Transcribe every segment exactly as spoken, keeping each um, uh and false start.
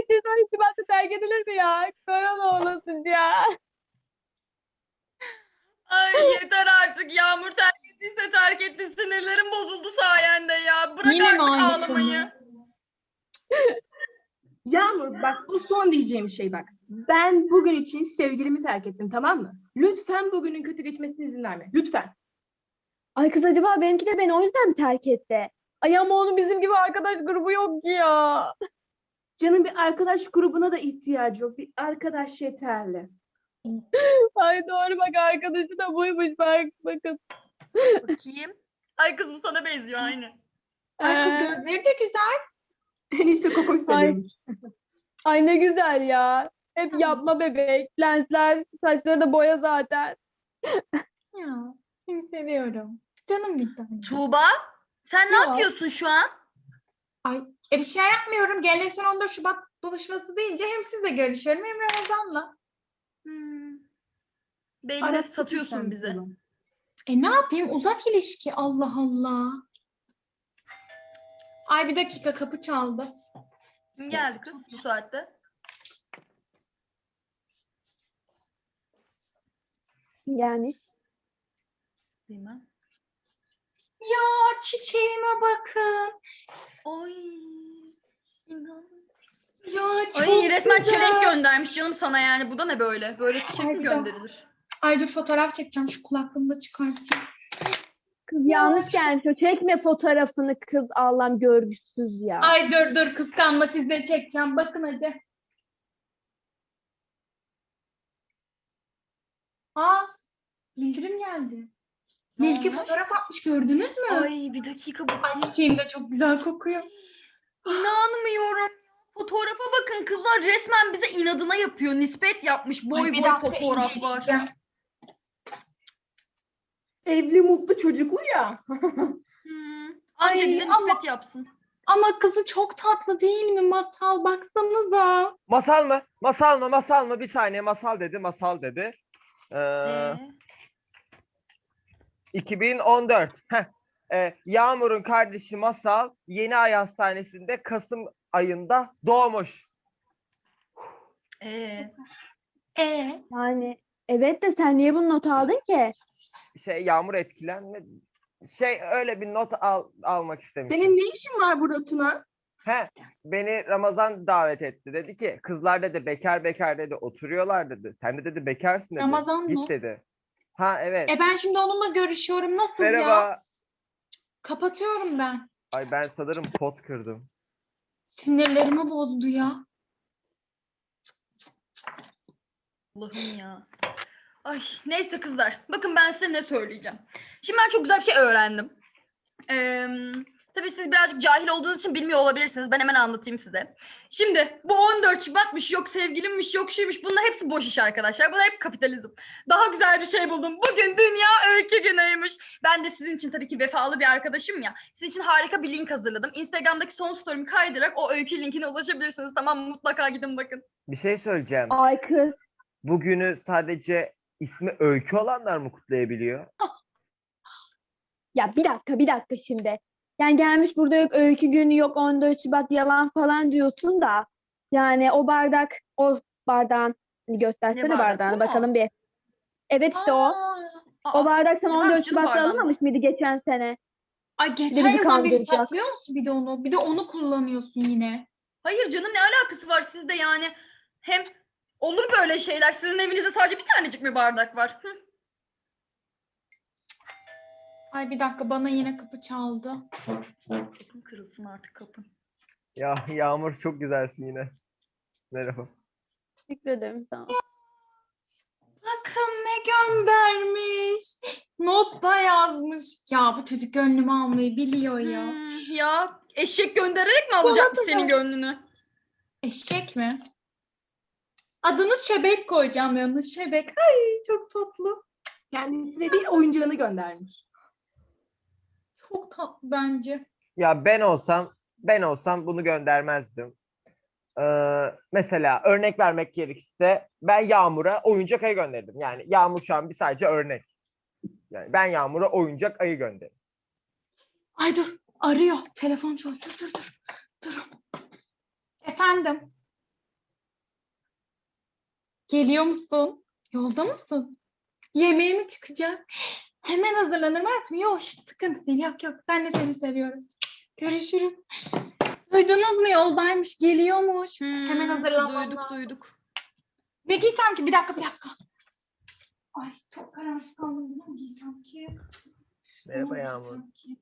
insan irtibatı terk edilir mi ya? Korona olasın ya. Ay yeter artık. Yağmur terk ettiyse terk etti. Sinirlerim bozuldu sayende ya. Bırak Yine mi artık aynı ağlamayı. Yağmur bak bu son diyeceğim şey bak. Ben bugün için sevgilimi terk ettim, tamam mı? Lütfen bugünün kötü geçmesine izin verme. Lütfen. Ay kız, acaba benimki de beni o yüzden mi terk etti? Ay ama onun bizim gibi arkadaş grubu yok ki ya. Canım bir arkadaş grubuna da ihtiyacı yok. Bir arkadaş yeterli. Ay doğru bak, arkadaşı da buymuş bak bakın. Bakayım. Ay kız bu sana benziyor aynı. Ay kız Ee, gözleri de güzel. En iyisi Kokoş seviyormuş. Ay ne güzel ya. Hep yapma bebek. Lensler, saçları da boya zaten. Ya seni seviyorum. Canım bir tane. Tuğba sen ne Ya. yapıyorsun şu an? Ay e bir şey yapmıyorum. Geleneksel on dört Şubat buluşması deyince hem sizle görüşüyorum hem Ramazan'la. Hmm. Belli Arasın satıyorsun sen bizi. bunu. E ne yapayım? Uzak ilişki. Allah Allah. Ay bir dakika kapı çaldı. Kim geldi kız bu saatte? Gelmiş. Bilmem. Ya çiçeğime bakın. Ay. İnan. Ya çok Ay resmen güzel. çelenk göndermiş canım sana yani. Bu da ne böyle? Böyle çiçek Ay, mi bir dakika. gönderilir? Ay dur fotoğraf çekeceğim. Şu kulaklığımı da çıkartayım. Kız Ya, yanlış çok- gelmiş. O çekme fotoğrafını kız, Allah'ım görgüsüz ya. Ay dur dur kıskanma sizle çekeceğim. Bakın hadi. Aa bildirim geldi. Ne Nilki olmuş? fotoğraf atmış gördünüz mü? Ay bir dakika Ay bakayım. çiçeğim de çok güzel kokuyor. İnanmıyorum. Fotoğrafa bakın kızlar resmen bize inadına yapıyor. Nispet yapmış. Boy Ay, bir boy dakika fotoğraflar. inceleyeceğim. Evli mutlu çocuklu ya. Hmm. Anca Ay, bize ama- nispet yapsın. Ama kızı çok tatlı değil mi Masal? Baksanıza. Masal mı? Masal mı? Masal mı? Bir saniye masal dedi. Masal dedi. Ee, Ee, iki bin on dört. Heh. Ee, Yağmur'un kardeşi Masal Yeni Ay Hastanesi'nde Kasım ayında doğmuş. ee. Ee, Yani evet de sen niye bunu not aldın ki? Şey Yağmur etkilenme. Şey öyle bir not al, almak istemiştim. Senin ne işin var burada Tuna? He, beni Ramazan davet etti. Dedi ki kızlar dedi bekar bekar dedi oturuyorlar dedi. Sen de dedi bekarsın dedi. Ramazan Git mı? dedi. Ha evet. e ben şimdi onunla görüşüyorum. Nasıl ya? Merhaba. Kapatıyorum ben. Ay ben sanırım pot kırdım. Sinirlerimi bozdu ya. Allah'ım ya. Ay neyse kızlar. Bakın ben size ne söyleyeceğim. Şimdi ben çok güzel bir şey öğrendim. Ee, tabii siz birazcık cahil olduğunuz için bilmiyor olabilirsiniz. Ben hemen anlatayım size. Şimdi bu on dört Şubat'mış, yok sevgilimmiş, yok şuymuş. Bunlar hepsi boş iş arkadaşlar. Bunlar hep kapitalizm. Daha güzel bir şey buldum. Bugün Dünya Öykü Günü'ymüş. Ben de sizin için tabii ki vefalı bir arkadaşım ya. Sizin için harika bir link hazırladım. Instagram'daki son story'mi kaydırarak o öykü linkine ulaşabilirsiniz. Tamam mı? Mutlaka gidin bakın. Bir şey söyleyeceğim. Ay kız. Bugünü sadece ismi Öykü olanlar mı kutlayabiliyor? Ya bir dakika bir dakika şimdi. Yani gelmiş burada yok öykü günü, yok on dört Şubat yalan falan diyorsun da. Yani o bardak, o bardağın, hani göstersene Ne bardak, bardağını bu mu? bakalım bir. Evet işte o. Aa, Aa, O bardak sana ne on varmış dört canım Şubat'ta bardağında? alınmamış mıydı geçen sene? ay Bir geçen de bizi yıldan beri kandıracak. saklıyor musun bir de onu? Bir de onu kullanıyorsun yine. hayır canım ne alakası var sizde yani? Hem olur böyle şeyler. Sizin evinizde sadece bir tanecik mi bardak var? Hı? Ay bir dakika bana yine kapı çaldı. Kapın kırılsın artık kapın. Ya Yağmur çok güzelsin yine. Merhaba. Teşekkür ederim sana. Bakın ne göndermiş. Not da yazmış. Ya bu çocuk gönlümü almayı biliyor ya. Hmm, ya eşek göndererek mi alacakmış Bana da senin ver. gönlünü? Eşek mi? Adını Şebek koyacağım yanına. Şebek. Ay çok tatlı. Kendisine değil oyuncağını göndermiş. Çok tatlı bence. Ya ben olsam ben olsam bunu göndermezdim. Ee, mesela örnek vermek gerekirse ben Yağmur'a oyuncak ayı gönderdim. Yani Yağmur şu an bir sadece örnek. Yani ben Yağmur'a oyuncak ayı gönderdim. Ay dur arıyor. Telefon çalıyor. Dur dur dur. Durun. Efendim. Geliyor musun? Yolda mısın? Yemeğe mi çıkacak? Hemen hazırlanır mı? Yok, hiç sıkıntı değil. Yok yok, ben de seni seviyorum. Görüşürüz. Duydunuz mu? Yoldaymış, geliyormuş. Hemen Hmm, hazırlanmam duyduk lazım. duyduk. Ne giysem ki? Bir dakika, bir dakika. Ay, çok kararsız kaldım. Ne giysem ki? Merhaba Ne Yağmur. giysem ki?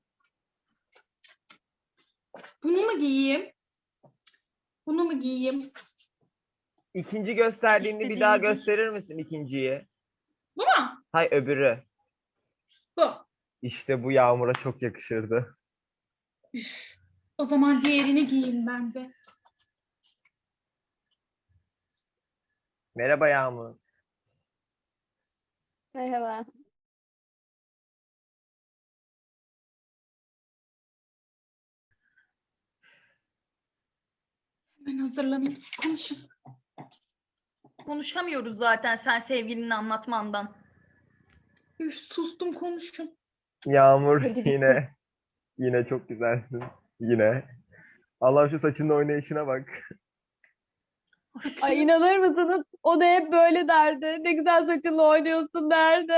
Bunu mu giyeyim? Bunu mu giyeyim? İkinci gösterdiğini bir daha İstediğini giy. gösterir misin ikinciyi? Bu mu? Hay öbürü. Bu. İşte bu Yağmur'a çok yakışırdı. Üf. O zaman diğerini giyeyim ben de. Merhaba Yağmur. Merhaba. Hemen hazırlanayım. Siz konuşun. Konuşamıyoruz zaten sen sevgilini anlatmandan. Üf, sustum, konuşun. Yağmur Hadi bitti. yine yine çok güzelsin. Yine. Allah şu saçının oynayışına bak. Ay inanır mısınız? O da hep böyle derdi. Ne güzel saçınla oynuyorsun derdi.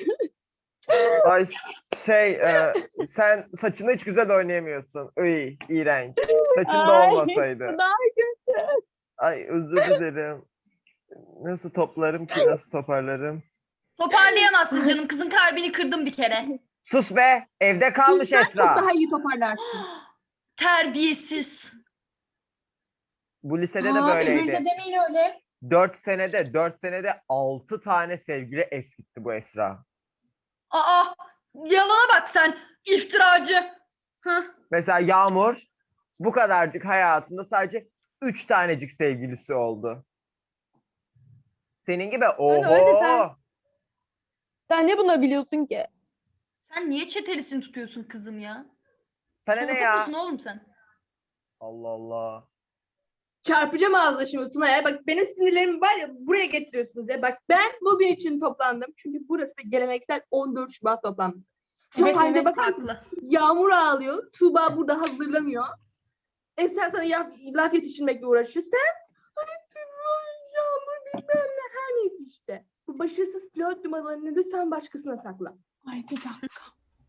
Ay şey e, sen saçını hiç güzel oynayamıyorsun. Iy, iğrenç. Saçın da Ay, olmasaydı. bu daha kötü. Ay özür dilerim. Nasıl toplarım ki nasıl toparlarım? Toparlayamazsın canım. Kızın kalbini kırdım bir kere. Sus be evde kalmış Sen çok Esra. daha iyi toparlarsın. Terbiyesiz. Bu lisede de Aa, böyleydi. Firuze demeyin öyle. Dört senede dört senede altı tane sevgili eskitti bu Esra. Aa, yalana bak sen. İftiracı. Hı. Mesela Yağmur bu kadarcık hayatında sadece üç tanecik sevgilisi oldu. Senin gibi Öyle, öyle sen- oho. Sen ne bunu biliyorsun ki? Sen niye çetelisini tutuyorsun kızım ya? Sana ne Salak ya? mısın oğlum sen? Allah Allah. Çarpacağım ağzına şimdi Tuna ya. Bak benim sinirlerimi var ya buraya getiriyorsunuz ya. Bak ben bugün için toplandım. Çünkü burası geleneksel on dört Şubat toplantısı. Şu Evet, halde evet, bakar mısınız? Haklı. Yağmur ağlıyor. Tuğba burada hazırlanıyor. Esra sana laf, laf yetiştirmekle uğraşıyor. Sen hani Tuğba, Yağmur bilmem ne her neyse işte. Bu başarısız flört numaralarını lütfen başkasına sakla. Ay, bir dakika.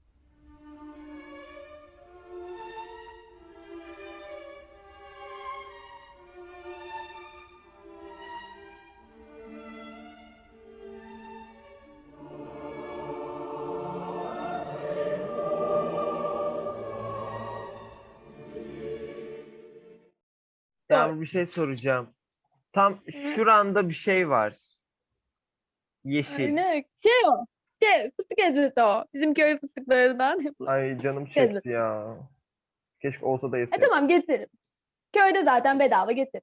Yağmur bir şey soracağım. Tam şuranda bir şey var. Ay, Yeşil. ne? Şey o. Şey, fıstık ezmesi o. Bizim köy fıstıklarından yapılan. Ay canım Gezme. çekti ya. Keşke olsa da E yesek. tamam getiririm. Köyde zaten bedava getir.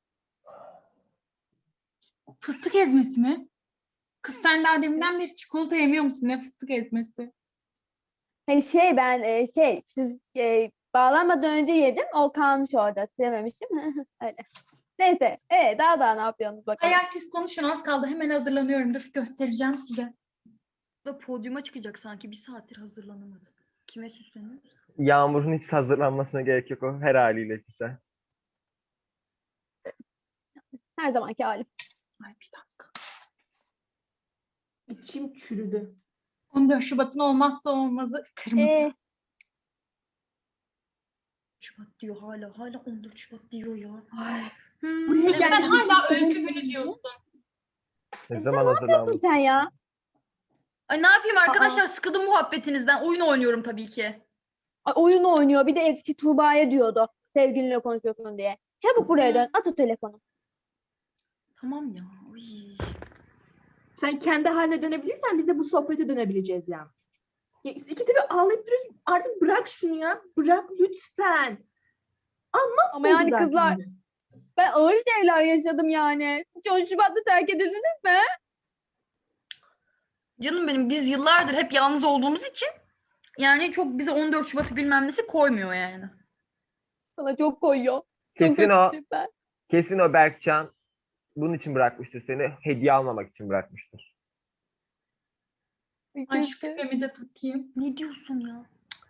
Fıstık ezmesi mi? Kız sen daha deminden beri çikolata yemiyor musun? Ne fıstık ezmesi? Hani şey ben e, şey siz e, bağlanmadan önce yedim. O kalmış orada. Sevmemiştim. Öyle. Neyse. E, daha daha ne yapıyorsunuz bakalım. Hayır, siz konuşun, az kaldı. Hemen hazırlanıyorum. Dur, göstereceğim size. Da podyuma çıkacak sanki. Bir saattir hazırlanamadı. Kime süsleniyor? Yağmur'un hiç hazırlanmasına gerek yok, o her haliyle güzel. Her zamanki halim. Ay, bir dakika. İçim çürüdü. on dört Şubat'ın olmazsa olmazı kırmızı. E, Şubat diyor hala. Hala on dört Şubat diyor ya. ay, Hmm, Buraya evet. Sen geldim. hala öykü günü diyorsun. Ne E, zaman nasılsın hazırlanmış? sen ya? Ay ne yapayım arkadaşlar? Sıkıldım muhabbetinizden. Oyun oynuyorum tabii ki. Ay, oyun oynuyor. Bir de eski Tuğba'ya diyordu. Sevgilinle konuşuyorsun diye. Çabuk buraya dön. At o telefonu. Tamam ya. Uy. Sen kendi haline dönebilirsen biz de bu sohbete dönebileceğiz yani. Ya, iki tabi ağlayıp duruyorsun. Artık bırak şunu ya. Bırak lütfen. Ama yani Oldu kızlar zaten. ben ağır şeyler yaşadım yani. Hiç on Şubat'ta terk edildiniz mi? Canım benim biz yıllardır hep yalnız olduğumuz için yani çok bize on dört Şubat'ı bilmem nesi koymuyor yani. Bana çok koyuyor. Çok Kesin o, kötüyüm ben. kesin o Berkcan bunun için bırakmıştır seni. Hediye almamak için bırakmıştır. Ay, şu Kötü. küpemi de takayım. Ne diyorsun ya?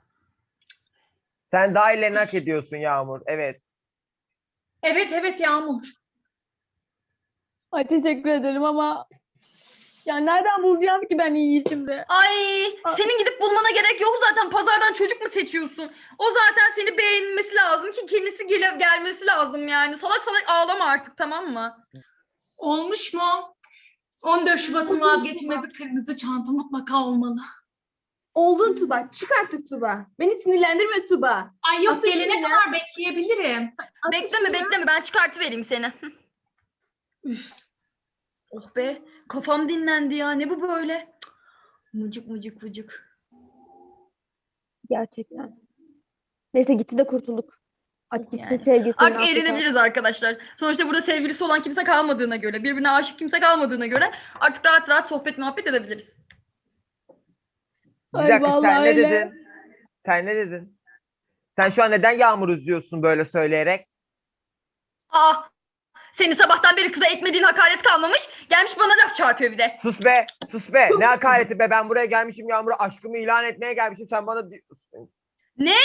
Sen daha iyilerini hak ediyorsun Yağmur. Evet. Evet, evet Yağmur. Ay teşekkür ederim ama ya nereden bulacağım ki ben iyi şimdi? Ay Aa. senin gidip bulmana gerek yok zaten. Pazardan çocuk mu seçiyorsun? O zaten seni beğenmesi lazım ki kendisi gele gelmesi lazım yani. Salak salak ağlama artık, tamam mı? Olmuş mu? on dört Şubat'ın vazgeçilmezi kırmızı çanta mutlaka olmalı. Oldun Tuba. Çık artık Tuba. Beni sinirlendirme Tuba. Ay yok, Atın gelene şunu ya. kadar bekleyebilirim. At Bekleme şunu ya. bekleme, ben çıkartıvereyim seni. Üf. Oh be, kafam dinlendi ya, ne bu böyle? Cık, Mıcık mıcık mıcık. Gerçekten. Neyse gitti de kurtulduk. Artık gitti Yani. sevgilisini Artık affeder. eğlenebiliriz arkadaşlar. Sonuçta burada sevgilisi olan kimse kalmadığına göre, birbirine aşık kimse kalmadığına göre artık rahat rahat sohbet muhabbet edebiliriz. Bir Ay, dakika sen vallahi ne öyle. dedin? Sen ne dedin? Sen şu an neden Yağmur üzüyorsun böyle söyleyerek? Aa, seni sabahtan beri kıza etmediğin hakaret kalmamış. Gelmiş bana laf çarpıyor bir de. Sus be, sus be. Sus. Ne hakareti be. Ben buraya gelmişim Yağmur'a aşkımı ilan etmeye gelmişim. Sen bana di- Ne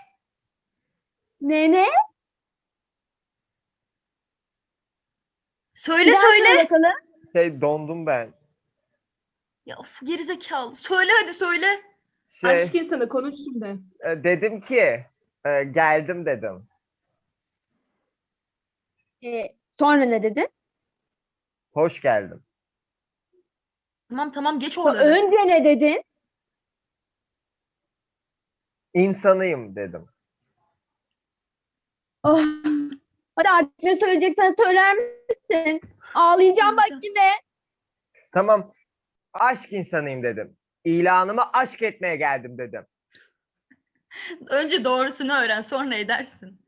ne? Söyle Bir daha söyle. söyle bakalım. şey dondum ben. Ya of, gerizekalı. Söyle hadi söyle. Şey Aşk insanı konuş şimdi. e, dedim ki e, geldim dedim. Ee, sonra ne dedin? Hoş geldim. Tamam tamam, geç O- oraları. Önce ne dedin? İnsanıyım dedim. Oh. Hadi artık ne söyleyeceksen söyler misin? Ağlayacağım bak yine. Tamam. Aşk insanıyım dedim. İlanımı aşk etmeye geldim dedim. Önce doğrusunu öğren, sonra edersin.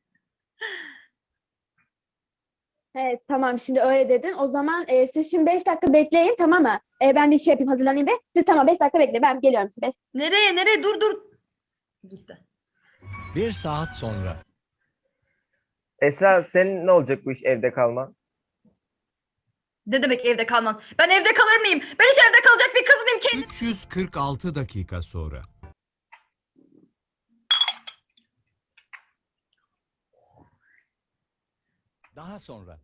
Evet tamam şimdi öyle dedin. O zaman e, siz şimdi beş dakika bekleyin tamam mı? E, ben bir şey yapayım hazırlanayım ve siz tamam beş dakika bekleyin. Ben geliyorum. Beş. Nereye nereye, dur dur. Gitti. Bir saat sonra. Esra senin ne olacak bu iş evde kalman? Ne demek evde kalman? Ben evde kalır mıyım? Ben hiç evde kalacak bir kız mıyım ki? üç yüz kırk altı dakika sonra. Daha sonra.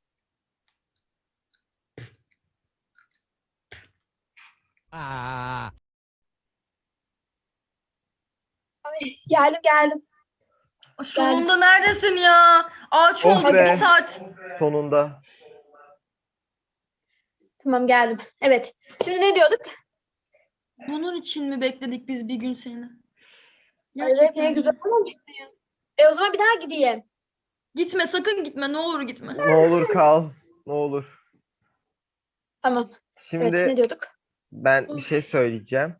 Aa, Geldim geldim. Sonunda neredesin ya? Ağaç Oh olduk be. bir saat. Sonunda. Tamam geldim. Evet. Şimdi ne diyorduk? Bunun için mi bekledik biz bir gün seni? Evet Gerçekten ne mi? güzel olmamıştı ya. E o zaman bir daha gideyim. Gitme, sakın gitme, ne olur gitme. Ne olur kal. Ne olur. Tamam. Şimdi Evet ne diyorduk? ben bir şey söyleyeceğim.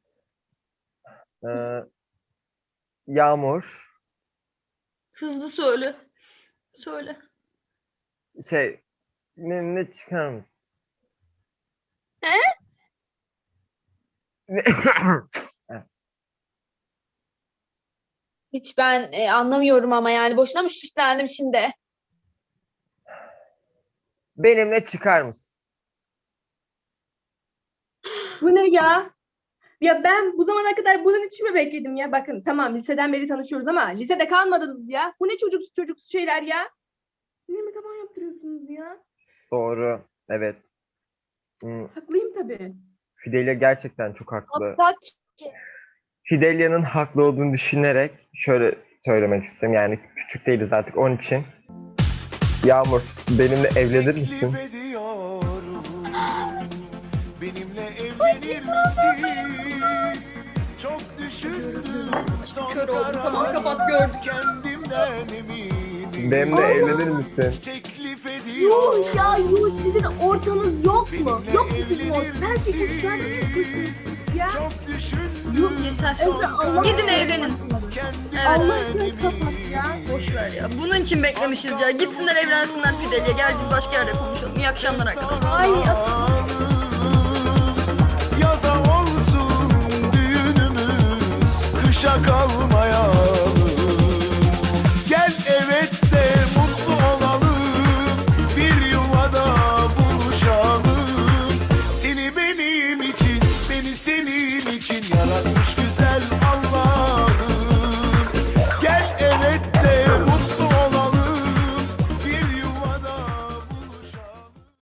Ee, Yağmur Hızlı söyle. Söyle. şey ne çıkar mısın? He? Ne- Hiç ben e, anlamıyorum ama yani boşuna mı süslendim şimdi? Benimle çıkar mısın? Bu ne ya? Ya ben bu zamana kadar bunun için mi bekledim ya? Bakın tamam liseden beri tanışıyoruz ama lisede kalmadınız ya. Bu ne çocuk çocuk şeyler ya? Siz mi taban yaptırıyorsunuz ya? Doğru. Evet. Hmm, Haklıyım tabii. Fidelya gerçekten çok haklı. Yapsak ki. Fidelya'nın haklı olduğunu düşünerek şöyle söylemek istedim. Yani küçük değiliz artık onun için. Yağmur benimle evlenir misin? Teklif ediyorum. Benimle evlenir misin? Çok düşündüm son Kör oldum, tamam, kararım. kapat, gördüm. Kendimden eminim. Benimle evlenir misin? Teklif Yuh ediyorum. ya yuh sizin ortanız yok mu? Benimle Yok mu sizin ortanız? evlenir Her şey misin? güzel yapıyorsunuz ya. Çok düşündüm. Yuh Yeter. Ezra Allah Gidin aşkına evlenin. kapat. Evet. Allah aşkına kapat ya. Boş ver ya. Bunun için beklemişiz ya. Gitsinler evlensinler Fidelya. Gel biz başka yerde konuşalım. İyi akşamlar arkadaşlar. Ay at- Yaza olsun düğünümüz, kışa kalmayalım. Gel evet de mutlu olalım, bir yuvada buluşalım. Seni benim için, beni senin için yaratmış güzel